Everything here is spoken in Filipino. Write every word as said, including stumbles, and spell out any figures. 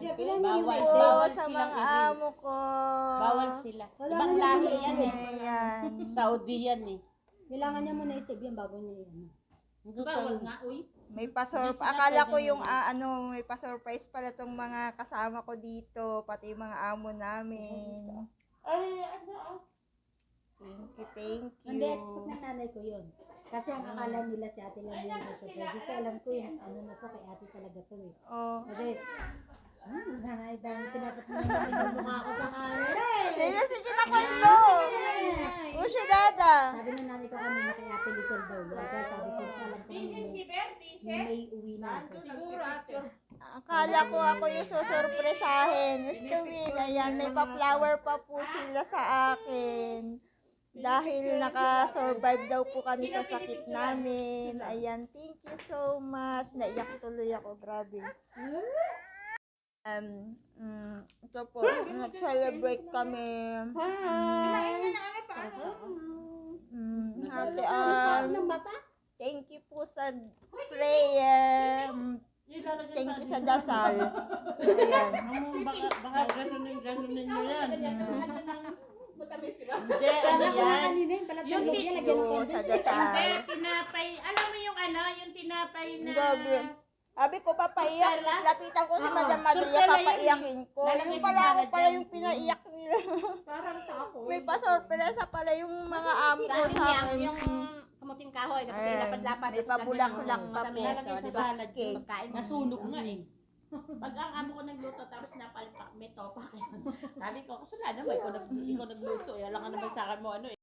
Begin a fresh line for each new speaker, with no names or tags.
Thank you
Bawal,
po
bawal
sa
silang
mga
i-reels.
amo ko.
Bawal sila.
Wala
Ibang
nga
lahi
naman
yan eh.
Ayan.
Saudi yan eh.
Kailangan niya muna i-save yan bago niya yan.
Bawal nga, uy.
May pasor
Hindi sila
akala ko
pwedeng
yung
i-release.
ah, ano, may pa-surprise pala tong mga kasama ko dito, pati yung mga amo namin.
Ay, ano ah.
Thank you, thank you.
Hindi, expect ng nanay ko yun. Kasi ang akala nila si ate lang yung nasa Hindi ko alam ko yung ano na to, kay ate talaga to eh.
Oh.
Kasi, hmm, nanay, dahil tinapat mo naman yung mukha ko sa camera eh.
Sige, sige na kwento. O siya, dada.
Sabi ng nanay ko kanina kay ate Lizelle daw. Kaya sabi ko, alam ko na may, may uwi na ako.
Akala ko ako yung susurpresahin. Gusto win, ayan, may pa-flower pa po sila sa akin. Dahil naka-survive daw po kami sa sakit namin. Ayan, thank you so much. Naiyak tuloy ako, grabe. Um, mm, ito po, nag-celebrate kami. Mm, happy um, thank you po sa prayer. Mm, Thank you sa dasal. Ayan.
Ang baka, baka ganunin, ganunin nyo yan. Hindi, ano yan?
Kanina yung balat
Yung
ng
ti-
niya, lagyan ng
Yung sa
candle.
Hindi,
dasal.
tinapay. Alam mo yung ano, yung tinapay na...
Grabe. Sabi ko, papaiyak. Lapitan ko si
Ah,
Madam Madria,
surprise yun
papaiyakin ko.
Lalagay
Yung
sa
pala ako
salad
pala
yan.
yung pinaiyak nila.
Parang tako.
May pa-sorpresa pala yung mga amo ko
Dati
sa
niya,
akin.
yung kamuting kahoy, tapos
Ayan.
ilapad-lapad.
May pabulak-bulak pa po.
Lalagay
So,
sa
di ba,
salad
cake.
yung pagkain. Nasunog nga eh. Pag ang amo ko nagluto, tapos napalpak, may topak. Sabi ko, kasalanan mo, ikaw nag- ikaw nagluto. Eh, alam ka naman sa akin mo ano eh.